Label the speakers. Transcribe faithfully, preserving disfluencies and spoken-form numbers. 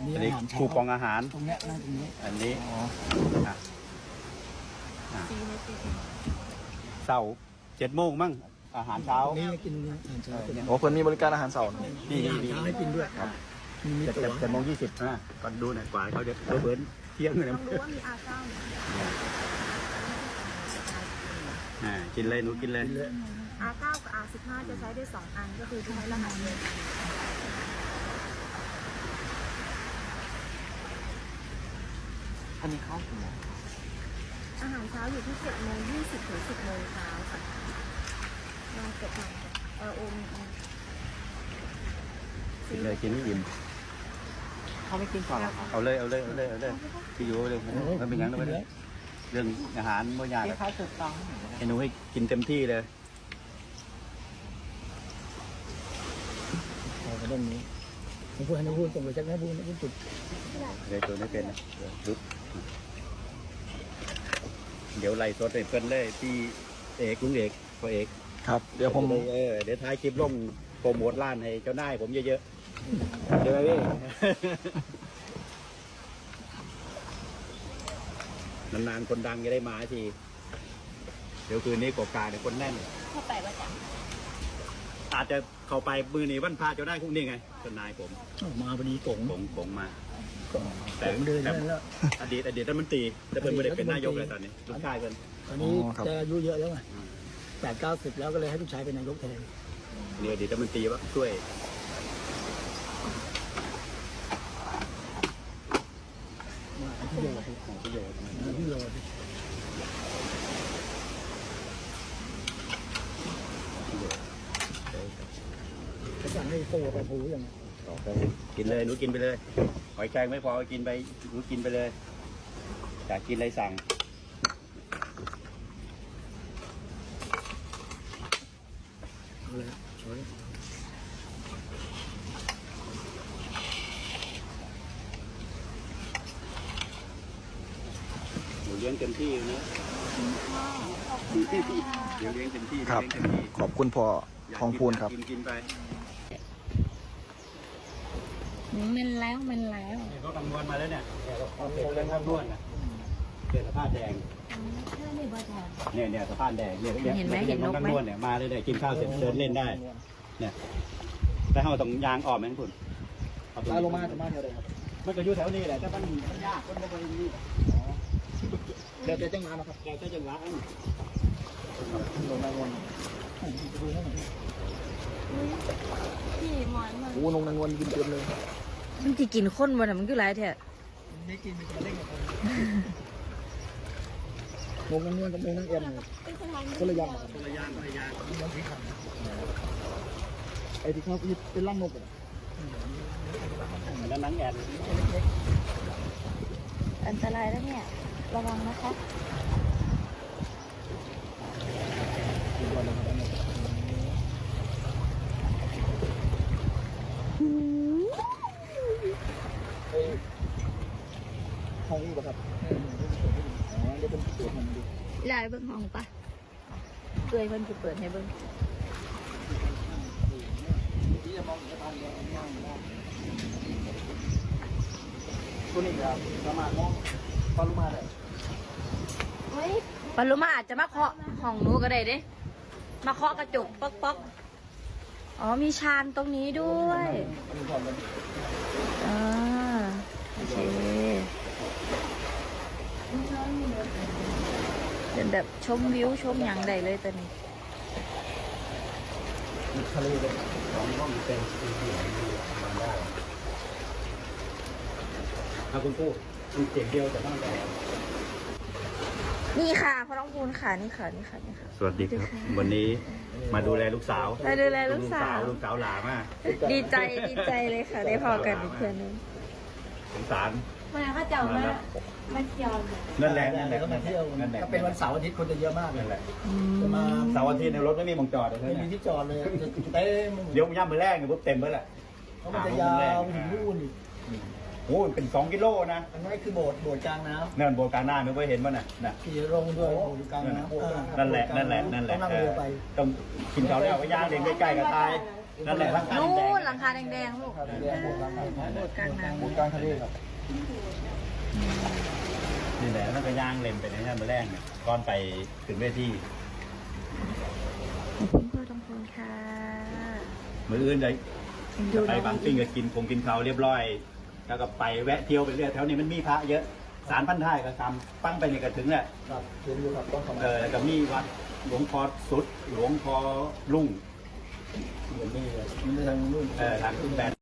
Speaker 1: อันนี้คูปองอาหาร
Speaker 2: ตรงเนี้ยนั่งตรงนี้
Speaker 1: อันนี้อ่ะเสาร์เจ็ดโมงมั้งอาหารเช้า
Speaker 2: นี่กินอาหารเช้า
Speaker 3: โอ้เพิ่นมีบริการอาหารเสาร์
Speaker 1: นี่
Speaker 2: อาหาร
Speaker 1: นี่
Speaker 2: เช้าให้กินด้วยมีมี
Speaker 1: เจ็ด
Speaker 2: ตั๋ว
Speaker 1: เจ็ดโมงยี่สิบนะก่อนดูหน่อยกว่าเขาจะเบิร์นเที่ยงเลยนะ
Speaker 4: ต้องรู้ว่ามีอาเก้า
Speaker 1: อ่ากินเลยหนูกินเลย
Speaker 4: อาเก้ากับอาสิบห้าจะใช้ได้สองอันก็คือใช้รหัสเลย
Speaker 3: อันนี้เข้าถึง
Speaker 4: อาหารเช้าอยู่ที่เจ็ดโมงยี่สิบถึงสิบโมงเช้าค่ะลองกดหน่อยเออโอม
Speaker 1: กินเลยกินให้อิ่ม
Speaker 3: เขาไม่กินก่อนหรอครับ
Speaker 1: เอาเลยเอาเลยเอาเลยเอาเลยพี่อยู่เลยมันเป็นยังไงเลยเรื่องอาหารไม่ยาก
Speaker 3: ที่เขาถูกต้อง
Speaker 1: ให้หนูให้กินเต็มที่เลย
Speaker 2: ขอเรื่องนี้ผมพูดให้น้องพูดส่งไปจากน้องพูดน้องพูดจุด
Speaker 1: เดี๋ยวตัวไม่เป็นนะรุดเดี๋ยวไล่สดให้เพื่อนเลยพี่เอกลุงเอกพ่อเอก
Speaker 3: ครับเดี๋ยวผม
Speaker 1: เออเดี๋ยวท้ายคลิปลงโปรโมทร้านให้เจ้านายผมเยอะๆเดี๋ยวพี่นานๆคนดังจะได้มาทีเดี๋ยวคืนนี้กบกาเนี่ยคนแน่น
Speaker 4: เข้าไปว่าจะ
Speaker 1: อาจจะเข้าไปมือหนีวันพาเจ้านายพวกนี้ไงเจ้านายผม
Speaker 2: มาวันนี้กง
Speaker 1: กงกงมา
Speaker 2: แต่ผมเดินแล้ว
Speaker 1: อดีตอดีตรัฐมนตรีแต่เพิ่นไม่ได้เป็นนายกเลยตอนนี้ลูกชายเพิ่น
Speaker 2: ตอนนี้จะอายุเยอะแล้วไงแปดเก้าสิบแล้วก็เลยให้ลูกชายเป็นนายกแทน
Speaker 1: เนี่ยอดีตรัฐมนตรีว่าช่วย
Speaker 2: มาที่โยน
Speaker 1: ของประโยชน์
Speaker 2: มาที่โยนเขาสั่งให้โซ่ไปผูอย่าง
Speaker 1: ต่อไปกินเลยหนูกินไปเลยหอยแครงไม่พอกินไปหนูกินไปเลยอยากกินอะไรสั่ง
Speaker 2: เอาเลยช่วย
Speaker 1: หนูเลี้ยงเต็มที่นะเดี๋ยวเลี้ยงเต็มที่
Speaker 3: ครับ
Speaker 1: เลี้ยงเต็มที่
Speaker 3: ขอบคุณพ่อทองพูนครับ
Speaker 1: กินกินไป
Speaker 4: มันแล้วมันแล้ว
Speaker 1: เนี่ยเขาคำนวณมาแล้วเนี่ยเนี่ยเราเสร็จเรื่องคำนวณนะเกิดสภาพแดง
Speaker 4: แค่นี้บ่แทน
Speaker 1: เนี่ยเนี่ยสภาพแดงเนี่ย
Speaker 4: เห็นไหมเห็นนกไหม
Speaker 1: คำนวณเนี่ยมาเลยเนี่ยกินข้าวเสร็จเดินเล่นได้ เนี่ยแต่เขาต้องยางออกไหมคุณเอาตรง
Speaker 2: ลา
Speaker 1: นี้
Speaker 2: ลงมาจะมาเท่าไรครับ
Speaker 1: มันก็อยู่แถวนี้แหละแต่มันมันยากมันไม่ไปนี่
Speaker 2: เดี๋ยวจะจ้างมาครับ
Speaker 1: แกก็จะรัก
Speaker 2: ลงมาลงดูให้หน่อย
Speaker 4: พี่หมอนมัน
Speaker 3: โอ้นงนางนวลกินเต็มเลย
Speaker 5: มันจะกินข้นบ่น่ะมันก็หลายแท้
Speaker 2: ไม่กินมันจะเล่นกับคนลงนั่งนวลกับลงนั่งเอ็มคนละอย่าง
Speaker 1: คนละย่างคนละย่าง
Speaker 2: น้ำพริกขันไอ้ที่เขาเป็นล่างนกอ่ะ
Speaker 1: แล้วนังแอน
Speaker 4: อันตรายแล้วเนี่ยระวังนะคะ
Speaker 2: ห้องนี้ป่ะครับอ๋อเดี๋ยวเป็นตัวมันดู
Speaker 4: ลายเบิ้งห้องปะเอ้ยเพิ่นสิเปิดให้เบิ้ง
Speaker 2: ที่จะมองเห็นทางเดียวนั่งได้ตัวนี้ครับสามารถมองฟาลุมาได้
Speaker 4: เฮ้ย
Speaker 5: ปารุมาอาจจะมาเคาะห้องหนูก็ได้เด้มาเคาะกระจกป๊อกป๊อกอ๋อมีชานตรงนี้ด้วยอ่าโอเคเป็นแบบชมวิวชมอย่างใดเลยตอนนี้
Speaker 2: ทะเลเลย
Speaker 1: สองห้องเป็นถ้าคุณพูดมันเสียงเดียวแต่ต้องแต่
Speaker 5: นี่ค่ะพ่อน้องพูนค่ะนี่ค่ะนี่ค่ะนี่ค่ะ
Speaker 1: สวัสดีครับ วันนี้มาดูแลลูกสาว
Speaker 5: มาดูแลลูกสาว
Speaker 1: ลูกสาวหลามาก
Speaker 5: ดีใจดีใจเลยค่ะ ได้พอกันอีกเพื่อนนึง
Speaker 1: สงสาร
Speaker 4: มาเขาเจ้ามามาเที่ยว
Speaker 1: นั่นแหละนั่นแหละ
Speaker 2: ก็มาเที่ยว
Speaker 1: นั่นแหละ
Speaker 2: ถ้าเป็นวันเสาร์อาทิตย์คนจะเยอะมากเลย
Speaker 1: นั่นแหละ
Speaker 2: จะมา
Speaker 1: เสาร์อาทิตย์ในรถไม่มีมองจอดเลย
Speaker 2: ไม่มี
Speaker 1: นะ
Speaker 2: ที่จอดเลยเต็ม
Speaker 1: เดี๋ยวย่ำมือแรกเนี่ยปุ๊บเต็มไปแหละ
Speaker 2: เพราะมันจะยาวถึงนู่นอีก
Speaker 1: โอ้เป็นสองกิโลนะ
Speaker 2: อันนี้คือโบสถ์โบสถ์กลางน้ำ
Speaker 1: นั่นโบกาหน้าไม่เคยเห็นป่ะน่ะน่ะ
Speaker 2: ขี่ลงด้วยโบสถ์กลางน้ำ
Speaker 1: นั่นแหละนั่นแหละนั่นแหละ
Speaker 2: ต้องนั่งเรือไป
Speaker 1: ต้องกินเขาแล้วก็ย่างเด็กใกล้ๆกับตายนั่นแหละร่างกาย
Speaker 5: นู่
Speaker 1: แดง
Speaker 5: นหลังคาแดงๆลูก
Speaker 3: ครับเรียกโบสถ์กลางน้ำ
Speaker 5: โบสถ์กลางน้ำ
Speaker 3: โบสถ์กลางทะเลครับ
Speaker 1: นี่แหละแล้วก็ย่างเล็มไปในนั้นมาแรกเนี่ยก้อนไปถึงเวที
Speaker 5: ขอบคุณพ่อทองพูนค่ะ
Speaker 1: มืออื่นเลย
Speaker 5: ดู
Speaker 1: ไป
Speaker 5: น้อง
Speaker 1: บางปิ้งก็กินคงกินข้าวเรียบร้อย แล้วก็ไปแวะเที่ยวไปเรื่อยแถวนี้มันมีพระเยอะสารพันท้ายก็ทำปั้งไปนี่ก็ถึงแหละ
Speaker 3: ครับเห็นอยู่ครับต้องสมั
Speaker 1: เออแล้วก็มีวัดหลวงพ่อสุดหลวงพ่อลุ่ง
Speaker 2: เดี๋ยวนี้เลยมันจะทางนู่น
Speaker 1: เออทางแบน